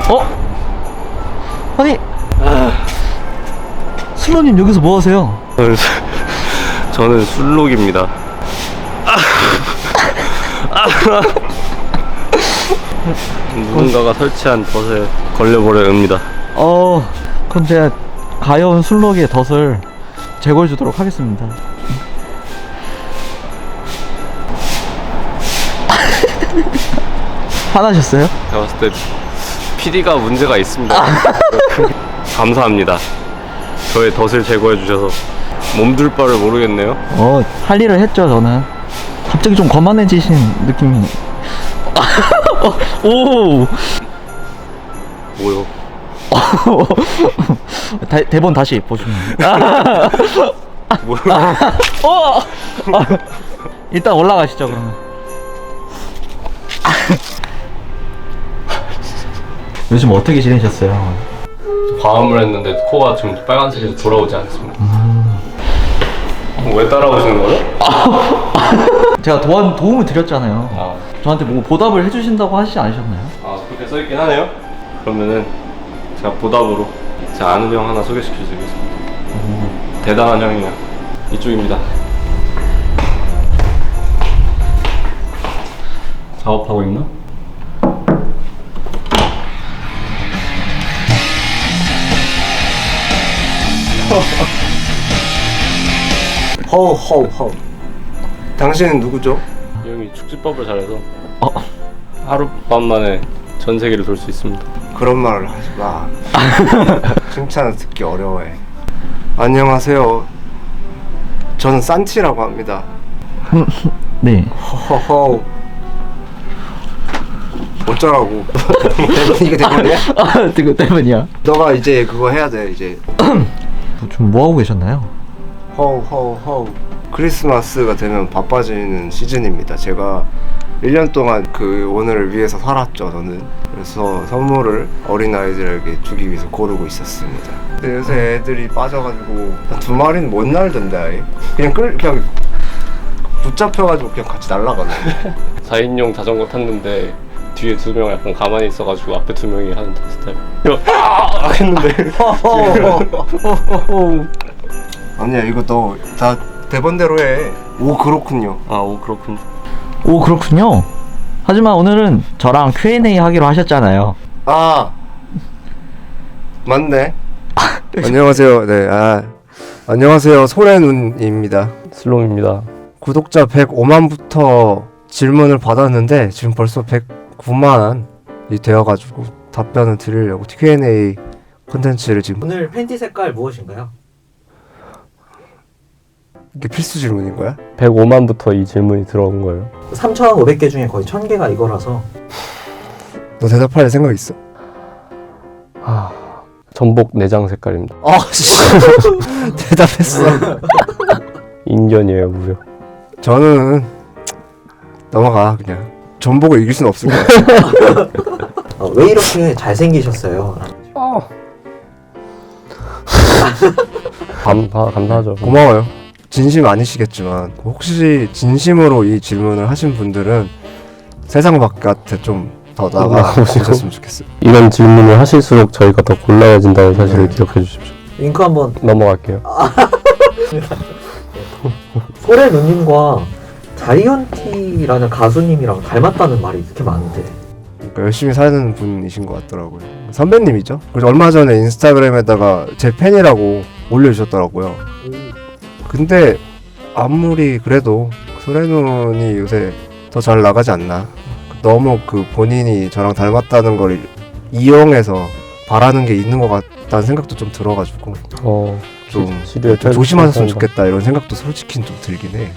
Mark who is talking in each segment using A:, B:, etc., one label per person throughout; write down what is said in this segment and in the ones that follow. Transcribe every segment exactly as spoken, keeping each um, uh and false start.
A: 어? 아니 슬로님 여기서 뭐 하세요?
B: 저는, 저는 술록입니다. 누군가가 설치한 덫에 걸려버려 옵니다.
A: 어 그럼 제가 가여운 술록의 덫을 제거해 주도록 하겠습니다. 화나셨어요?
B: 제가 봤을 때 피디가 문제가 있습니다. 감사합니다. 저의 덫을 제거해 주셔서. 몸둘 바를 모르겠네요.
A: 어, 할 일을 했죠, 저는. 갑자기 좀 거만해지신 느낌이. 오!
B: 뭐요?
A: 다, 대본 다시 보시면.
B: 뭐요?
A: 어! 일단 올라가시죠, 그러면. 요즘 어떻게 지내셨어요?
B: 과음을 했는데 코가 지금 빨간색에서 돌아오지 않습니다. 음... 왜 따라오시는 거죠?
A: 제가 도와, 도움을 드렸잖아요.
B: 아.
A: 저한테 뭐 보답을 해주신다고 하시지 않으셨나요?
B: 아, 그렇게 써있긴 하네요. 그러면은 제가 보답으로 제가 아는 형 하나 소개시켜드리겠습니다. 음. 대단한 형이에요. 이쪽입니다. 작업하고 있나?
C: 허우 허우 허우. 당신은 누구죠?
B: 이 형이 축지법을 잘해서
A: 어?
B: 하룻밤 만에 전 세계를 돌 수 있습니다.
C: 그런 말을 하지 마. 칭찬을 듣기 어려워해. 안녕하세요. 저는 산티라고 합니다.
A: 네.
C: 허허허. 어쩌라고. 이게 대본이야?
A: 아, 그거 때문이야.
C: 너가 이제 그거 해야 돼 이제.
A: 좀 뭐하고 계셨나요?
C: 허우 허우 허우. 크리스마스가 되면 바빠지는 시즌입니다. 제가 일 년 동안 그 오늘을 위해서 살았죠, 저는. 그래서 선물을 어린아이들에게 주기 위해서 고르고 있었습니다. 근데 요새 애들이 빠져가지고 두 마리는 못 날던데 아예. 그냥 끌 그냥 붙잡혀가지고 그냥 같이 날아가네.
B: 사 인용 자전거 탔는데 뒤에 두 명 약간 가만히 있어가지고 앞에 두 명이 하는 스타일. 아! 했는데
C: 아니야, 이거 너 다 대본대로 해. 오, 그렇군요.
B: 아, 오 그렇군.
A: 오, 그렇군요. 하지만 오늘은 저랑 큐 앤 에이 하기로 하셨잖아요.
C: 아, 맞네. 안녕하세요. 네, 아, 안녕하세요. 소래눈입니다.
B: 슬롬입니다.
C: 구독자 백오만부터 질문을 받았는데 지금 벌써 백구만이 되어가지고 답변을 드리려고 큐 앤 에이 콘텐츠를 지금.
A: 오늘 팬티 색깔 무엇인가요?
C: 이게 필수 질문인 거야?
B: 백오만부터 이 질문이 들어온 거예요.
A: 삼천오백 개 중에 거의 천 개가 이거라서.
C: 너 대답할 생각 있어?
B: 아, 전복 내장 색깔입니다.
C: 아, 씨. 대답했어.
B: 인견이에요, 무려.
C: 저는 넘어가 그냥. 전복을 이길 순 없을 것 같아.
A: 어, 왜 이렇게 잘생기셨어요?
C: 어.
B: 감사, 감사하죠.
C: 고마워요. 진심 아니시겠지만 혹시 진심으로 이 질문을 하신 분들은 세상 바깥에 좀 더 나가보셨으면 좋겠어요.
B: 이런 질문을 하실수록 저희가 더 곤란해진다는 사실을 네. 기억해 주십시오.
A: 링크 한번.
B: 넘어갈게요.
A: 소래 누님과 자이언티라는 가수님이랑 닮았다는 말이 이렇게 많은데.
C: 그러니까 열심히 사는 분이신 것 같더라고요. 선배님이죠. 그래서 얼마 전에 인스타그램에다가 제 팬이라고 올려주셨더라고요. 근데 아무리 그래도 소래눈이 요새 더 잘 나가지 않나. 너무 그 본인이 저랑 닮았다는 걸 이용해서 바라는 게 있는 것 같다는 생각도 좀 들어가지고
B: 어,
C: 좀,
B: 시,
C: 좀 조심하셨으면 좋겠다 이런 생각도 솔직히 좀 들긴 해.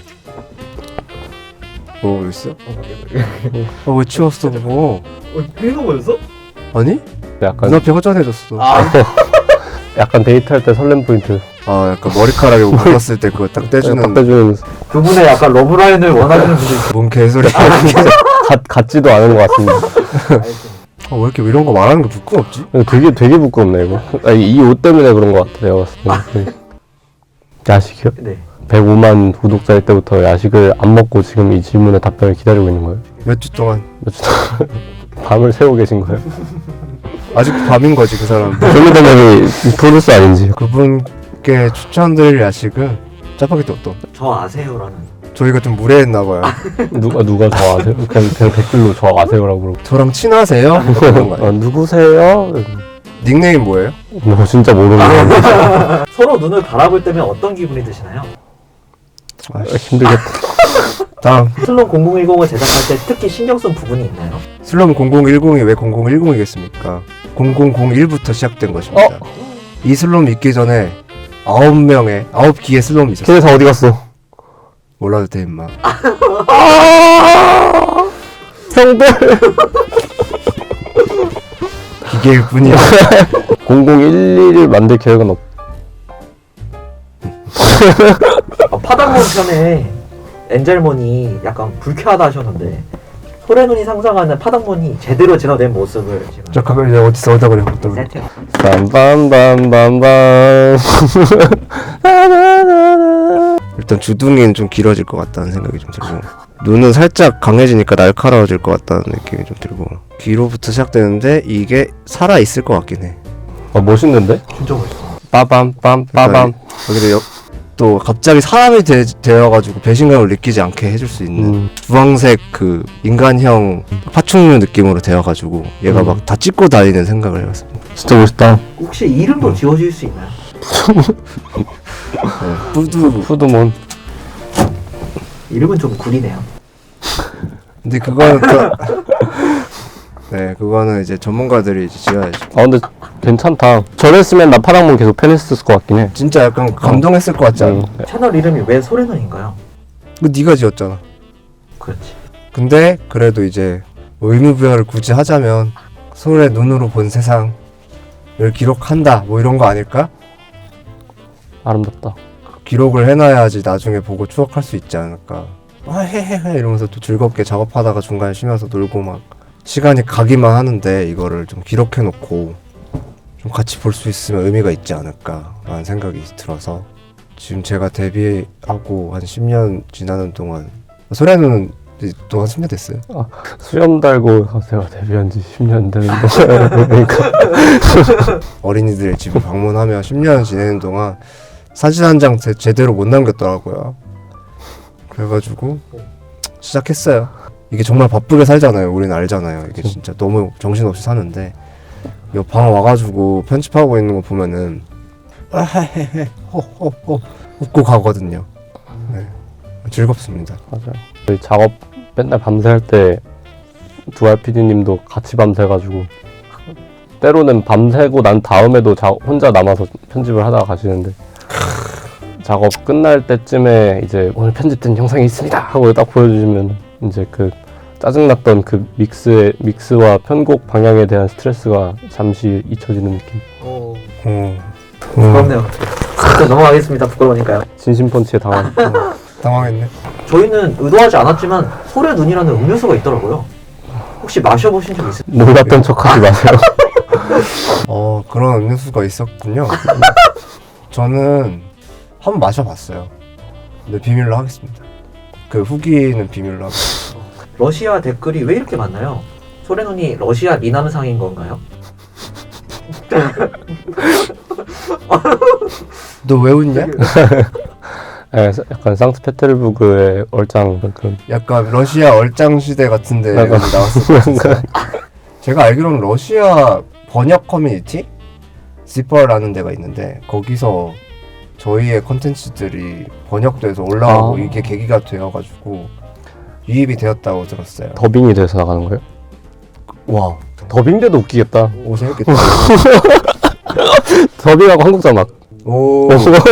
C: 뭐 있어? 어, 왜 치웠어 그거?
A: 이거 뭐였어?
C: 아니?
B: 약간
C: 눈앞이 허전해졌어.
A: 아.
B: 약간 데이트할 때 설렘 포인트.
C: 아, 약간 머리카락에 묶었을 때 그거 딱 떼주는.
B: 딱 떼주는.
A: 두 분의 약간 러브라인을 원하시는 분들.
C: 뭔 개소리.
B: 같 같지도 않은 것 같습니다.
C: 아, 왜 이렇게 이런 거 말하는 게 부끄럽지?
B: 되게 되게 부끄럽네 이거. 아니, 이 옷 때문에 그런 것 같아 내가 봤을 때. 야식이요?
A: 네.
B: 백오만 구독자일 때부터 야식을 안 먹고 지금 이 질문에 답변을 기다리고 있는 거예요?
C: 몇 주 동안.
B: 몇 주 동안 밤을 새고 계신 거예요?
C: 아직도 밤인 거지 그 사람.
B: 쇼미더머니 프로듀서 아닌지.
C: 그분께 추천드릴 야식은 짜파게티 어떤?
D: 저 아세요라는.
C: 저희가 좀 무례했나 봐요.
B: 누가 누가 저 아세요? 그냥, 그냥 댓글로 저 아세요라고 그러고.
C: 저랑 친하세요? 그런 거
B: 아,
C: 아니에요?
B: 누구세요?
C: 닉네임 뭐예요?
B: 뭐 진짜 모르는.
D: 서로 눈을 바라볼 때면 어떤 기분이 드시나요?
C: 아,
B: 힘들겠다.
C: 다음
D: 슬론 공공일공을 제작할 때 특히 신경 쓴 부분이 있나요?
C: 슬럼 공공일공이 왜 공공일공이겠습니까? 공공공일부터 시작된 것입니다.
B: 어?
C: 이 슬롬 있기 전에 아홉 명의 아홉 기의 슬롬이 있었어요.
B: 걔네 다 어디 갔어?
C: 몰라도 돼 임마.
B: 형들.
C: 기계일 뿐이야.
B: 공공일일을 만들 계획은 없.
D: 어, 파당몬 편에 엔젤몬이 약간 불쾌하다 하셨는데 소래눈이 상상하는 파당몬이 제대로 진화된 모습을 지금
C: 저 그걸 이제 어디서 어디다 그래? 어디다 그래?
D: 세팅.
B: 빰빰빰빰빰.
C: 일단 주둥이는 좀 길어질 것 같다는 생각이 좀 들고 눈은 살짝 강해지니까 날카로워질 것 같다는 느낌이 좀 들고 귀로부터 시작되는데 이게 살아 있을 것 같긴 해.
B: 아 멋있는데?
D: 진짜 멋있어.
B: 빠밤 빰 빠밤.
C: 여기도 여, 또 갑자기 사람이 되, 되어가지고 배신감을 느끼지 않게 해줄 수 있는
B: 음.
C: 주황색 그 인간형 파충류 느낌으로 되어가지고 얘가
B: 음.
C: 막 다 찍고 다니는 생각을 해봤습니다.
B: 진짜 멋있다.
D: 혹시 이름도 지어줄 수 있나요?
C: 네. 푸드.
B: 푸드몬.
D: 이름은 좀 구리네요.
C: 근데 그거는 그, 네 그거는 이제 전문가들이 이제 지어야지.
B: 아 근데 괜찮다. 저랬으면 나 파랑몬 계속 팬했을 것 같긴 해.
C: 진짜 약간 감동했을 것 같지 않아?
B: 응.
D: 채널 이름이 왜 소래눈인가요?
C: 그 네가 지었잖아.
D: 그렇지.
C: 근데 그래도 이제 뭐 의무부여를 굳이 하자면 소의 눈으로 본 세상을 기록한다 뭐 이런 거 아닐까?
B: 아름답다.
C: 기록을 해놔야지 나중에 보고 추억할 수 있지 않을까. 아 헤헤헤 이러면서 또 즐겁게 작업하다가 중간에 쉬면서 놀고 막 시간이 가기만 하는데 이거를 좀 기록해놓고 좀 같이 볼 수 있으면 의미가 있지 않을까 라는 생각이 들어서 지금 제가 데뷔하고 한 십 년 지나는 동안 소래는 또 한 십 년 됐어요.
B: 수염 달고 제가 데뷔한 지 십 년 되는데. 그러니까.
C: 어린이들 집을 방문하며 십 년 지내는 동안 사진 한 장 제대로 못 남겼더라고요. 그래가지고 시작했어요. 이게 정말 바쁘게 살잖아요. 우리는 알잖아요. 이게 진짜 너무 정신없이 사는데 이 방 와가지고 편집하고 있는 거 보면은 아헤헤 호호호 웃고 가거든요. 네. 즐겁습니다.
B: 맞아요. 저희 작업 맨날 밤새 할 때 두알 피디님도 같이 밤새가지고 때로는 밤새고 난 다음에도 자, 혼자 남아서 편집을 하다가 가시는데 작업 끝날 때쯤에 이제 오늘 편집된 영상이 있습니다 하고 딱 보여주시면 이제 그 짜증났던 그 믹스의 믹스와 편곡 방향에 대한 스트레스가 잠시 잊혀지는 느낌.
D: 오,
C: 어,
D: 부끄럽네요. 진짜 넘어가겠습니다. 부끄러우니까요.
B: 진심 펀치에 당한.
C: 당황했네.
D: 저희는 의도하지 않았지만 소래눈이라는 음료수가 있더라고요. 혹시 마셔보신 적 있으세요?
B: 몰랐던 척하지 마세요.
C: 어 그런 음료수가 있었군요. 저는 한번 마셔봤어요. 근데 비밀로 하겠습니다. 그 후기는 비밀로 하겠습니다.
D: 러시아 댓글이 왜 이렇게 많나요? 소래눈이 러시아 미남상인 건가요?
C: 너 왜 웃냐?
B: 네, 약간 상트페테르부르크의 얼짱 그런.
C: 약간 러시아 얼짱 시대 같은데
B: 약간.
C: 나왔을 것 같아요. 제가 알기로는 러시아 번역 커뮤니티? 지퍼라는 데가 있는데 거기서 저희의 컨텐츠들이 번역돼서 올라오고
B: 아.
C: 이게 계기가 되어가지고 유입이 되었다고 들었어요.
B: 더빙이 돼서 나가는 거예요?
C: 와,
B: 더빙돼도 웃기겠다.
C: 오 재밌겠다.
B: 더빙하고 한국 자막.
C: 오,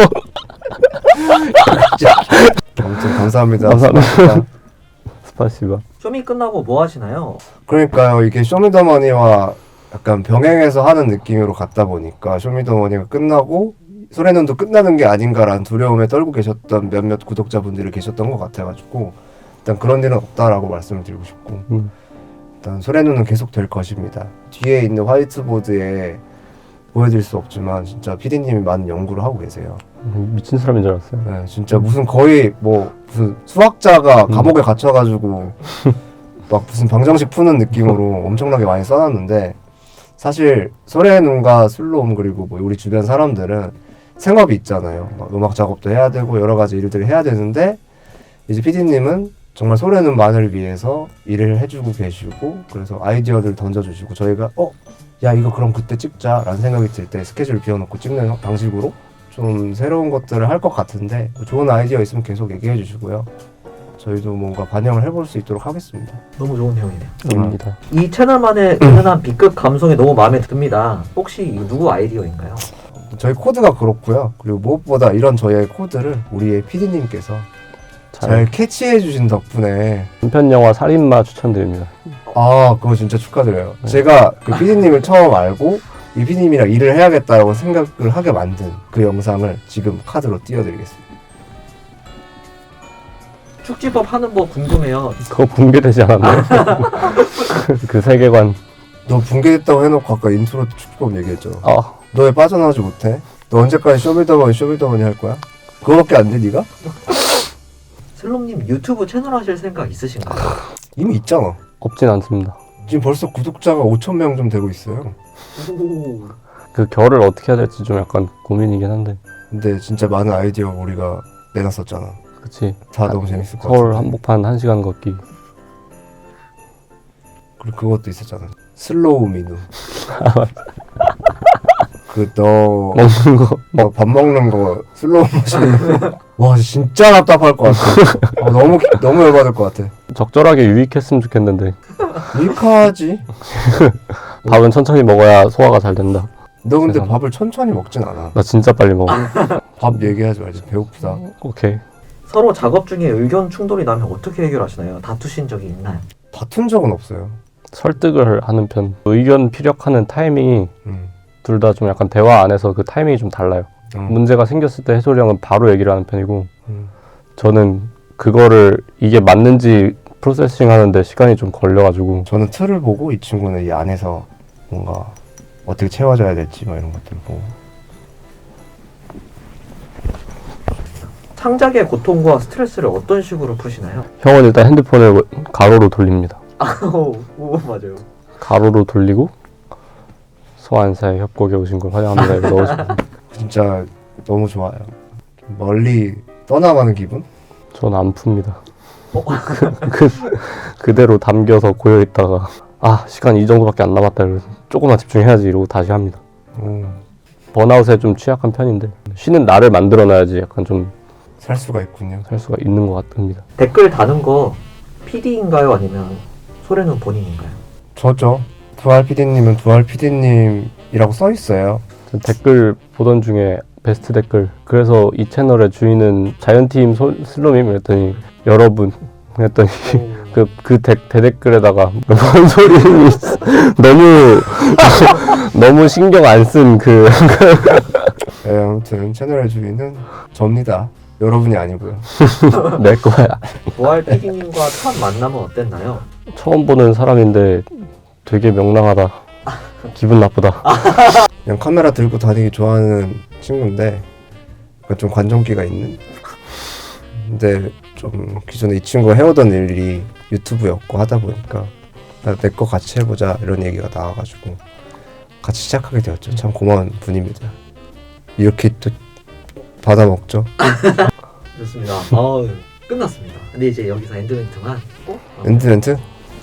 C: 아무튼 감사합니다.
B: 감사합니다. 스파시바.
D: 쇼미 끝나고 뭐 하시나요?
C: 그러니까요, 이게 쇼미더머니와 약간 병행해서 하는 느낌으로 갔다 보니까 쇼미더머니가 끝나고 소래눈도 끝나는 게 아닌가라는 두려움에 떨고 계셨던 몇몇 구독자분들이 계셨던 것 같아가지고 일단 그런 일은 없다라고 말씀을 드리고 싶고
B: 음.
C: 일단 소래눈은 계속 될 것입니다. 뒤에 있는 화이트보드에 보여드릴 수 없지만 진짜 피디님이 많은 연구를 하고 계세요.
B: 미친 사람인 줄 알았어요.
C: 네, 진짜 무슨 거의 뭐 무슨 수학자가 감옥에 갇혀가지고 막 무슨 방정식 푸는 느낌으로 엄청나게 많이 써놨는데 사실 소래눈과 슬로움 그리고 뭐 우리 주변 사람들은 생업이 있잖아요. 막 음악 작업도 해야 되고 여러 가지 일들을 해야 되는데 이제 피디님은 정말 소래눈만을 위해서 일을 해주고 계시고 그래서 아이디어를 던져주시고 저희가 어? 야 이거 그럼 그때 찍자 라는 생각이 들 때 스케줄 비워놓고 찍는 방식으로 좀 새로운 것들을 할 것 같은데 좋은 아이디어 있으면 계속 얘기해 주시고요. 저희도 뭔가 반영을 해볼 수 있도록 하겠습니다.
D: 너무 좋은 내용이네요.
B: 입니다.
D: 이 채널만의 은은한 B급 감성이 너무 마음에 듭니다. 혹시 이거 누구 아이디어인가요?
C: 저희 코드가 그렇고요. 그리고 무엇보다 이런 저희의 코드를 우리의 피디님께서 잘,
B: 잘
C: 캐치해 주신 덕분에
B: 단편 영화 살인마 추천드립니다.
C: 아 그거 진짜 축하드려요.
B: 네.
C: 제가 그 피디님을 처음 알고 이 피디님이랑 일을 해야겠다라고 생각을 하게 만든 그 영상을 지금 카드로 띄워드리겠습니다.
D: 축지법 하는 법 궁금해요.
B: 그거 붕괴되지 않았나요? 그 세계관.
C: 너 붕괴됐다고 해놓고 아까 인트로 축구법 얘기했잖아.
B: 아,
C: 너 왜 빠져나오지 못해? 너 언제까지 쇼빌더머니 쇼빌더머니 할 거야? 그거밖에 안 돼 네가?
D: 슬롬님 유튜브 채널 하실 생각 있으신가요?
C: 이미 있잖아.
B: 없진 않습니다.
C: 지금 벌써 구독자가 오천 명 좀 되고 있어요.
D: 오.
B: 그 결을 어떻게 해야 될지 좀 약간 고민이긴 한데.
C: 근데 진짜 많은 아이디어 우리가 내놨었잖아.
B: 그치.
C: 다 너무 재밌을 것
B: 서울
C: 같아.
B: 한복판 한 시간 걷기.
C: 그리고 그것도 있었잖아. 슬로우 민우. 그너
B: 먹는 거.
C: 너 밥 먹는 거 슬로우 모션. 와 진짜 답답할 것 같아. 아, 너무 너무 열받을 것 같아.
B: 적절하게 유익했으면 좋겠는데.
C: 밀카하지.
B: 밥은 천천히 먹어야 소화가 잘 된다.
C: 너 근데
B: 세상.
C: 밥을 천천히 먹진 않아.
B: 나 진짜 빨리 먹어.
C: 밥 얘기하지 말지. 배고프다.
B: 오케이.
D: 서로 작업 중에 의견 충돌이 나면 어떻게 해결하시나요? 다투신 적이 있나요?
C: 다툰 적은 없어요.
B: 설득을 하는 편. 의견 피력하는 타이밍이
C: 음.
B: 둘 다 좀 약간 대화 안에서 그 타이밍이 좀 달라요.
C: 음.
B: 문제가 생겼을 때 해솔이 형은 바로 얘기를 하는 편이고
C: 음.
B: 저는 그거를 이게 맞는지 프로세싱 하는데 시간이 좀 걸려가지고
C: 저는 틀을 보고 이 친구는 이 안에서 뭔가 어떻게 채워져야 될지 뭐 이런 것들 보고.
D: 창작의 고통과 스트레스를 어떤 식으로 푸시나요?
B: 형은 일단 핸드폰을 가로로 돌립니다.
D: 오, 오 맞아요.
B: 가로로 돌리고 소환사의 협곡에 오신 걸 환영합니다. 이거 넣어주고
C: 진짜 너무 좋아요. 좀 멀리 떠나가는 기분?
B: 저는 안 풉니다. 그, 그대로 담겨서 고여있다가 아 시간 이 정도밖에 안 남았다 이러고 조금만 집중해야지 이러고 다시 합니다.
C: 오,
B: 번아웃에 좀 취약한 편인데 쉬는 날을 만들어놔야지 약간 좀 살
C: 살 수가 있군요.
B: 수가 있는 것 같습니다.
D: 댓글 다는 거 피디인가요? 아니면 소래는 본인인가요?
C: 저죠. 두알 피디님은 두알 피디님이라고 써 있어요.
B: 전 댓글 보던 중에 베스트 댓글 그래서 이 채널의 주인은 자이언티임 슬롬임 그랬더니 여러분 했더니 그, 그 대, 대댓글에다가 뭔 소리 너무 너무 신경 안 쓴 그
C: 네, 아무튼 채널의 주인은 접니다. 여러분이 아니고요.
B: 내 거야.
D: 보알 피디님과 첫 만남은 어땠나요?
B: 처음 보는 사람인데 되게 명랑하다. 기분 나쁘다.
C: 그냥 카메라 들고 다니기 좋아하는 친구인데 약간 좀 관종기가 있는. 근데 좀 기존에 이 친구가 해오던 일이 유튜브였고 하다 보니까 내 거 같이 해보자 이런 얘기가 나와가지고 같이 시작하게 되었죠. 참 고마운 분입니다. 이렇게 또 받아먹죠.
D: 좋습니다. 어, 끝났습니다. 근데 이제 여기서 엔드멘트만 꼭
C: 엔드멘트?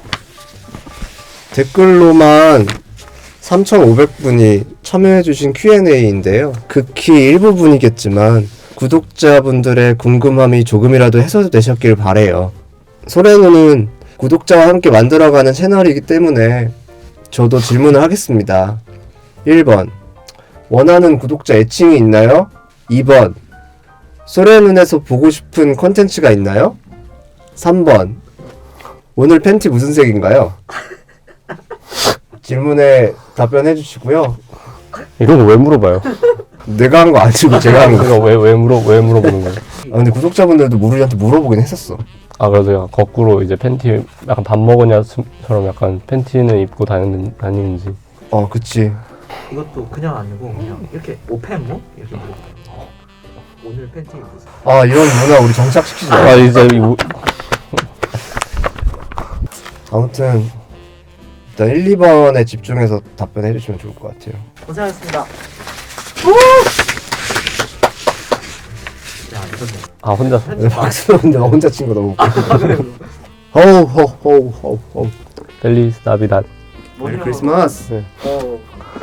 C: 댓글로만 삼천오백 분이 참여해주신 큐 앤 에이인데요. 극히 일부분이겠지만 구독자분들의 궁금함이 조금이라도 해소되셨길 바래요. 소래누는 구독자와 함께 만들어가는 채널이기 때문에 저도 질문을 하겠습니다. 일 번 원하는 구독자 애칭이 있나요? 이 번 소래눈에서 보고 싶은 컨텐츠가 있나요? 삼 번 오늘 팬티 무슨 색인가요? 질문에 답변해 주시고요.
B: 이런 거 왜 물어봐요?
C: 내가 한 거 아니고 제가 한 거.
B: 제가 왜, 왜 물어 왜 물어보는 거예요?
C: 아 근데 구독자분들도 우리한테 물어보긴 했었어.
B: 아 그래서 제가 거꾸로 이제 팬티 약간 밥 먹었냐처럼 약간 팬티는 입고 다니는, 다니는지
C: 어 그치.
D: 이것도 그냥 아니고 그냥 이렇게 오펜무 이렇게 물어봐요. 오늘 팬티 무슨?
C: 아 이런 문화 우리 정착시키지 마.
B: 아 이제 이 우-
C: 아무튼 일단 일, 이 번에 집중해서 답변해 주시면 좋을 것 같아요.
D: 고생하셨습니다. 야, 이거는
B: 아 혼자
C: 네, 박수 근데 혼자 친 거 너무 웃겨. 호우 호우 호우 호우 호우.
B: 펠리스 나비다.
C: 메리 크리스마스.
B: 네.
D: 어,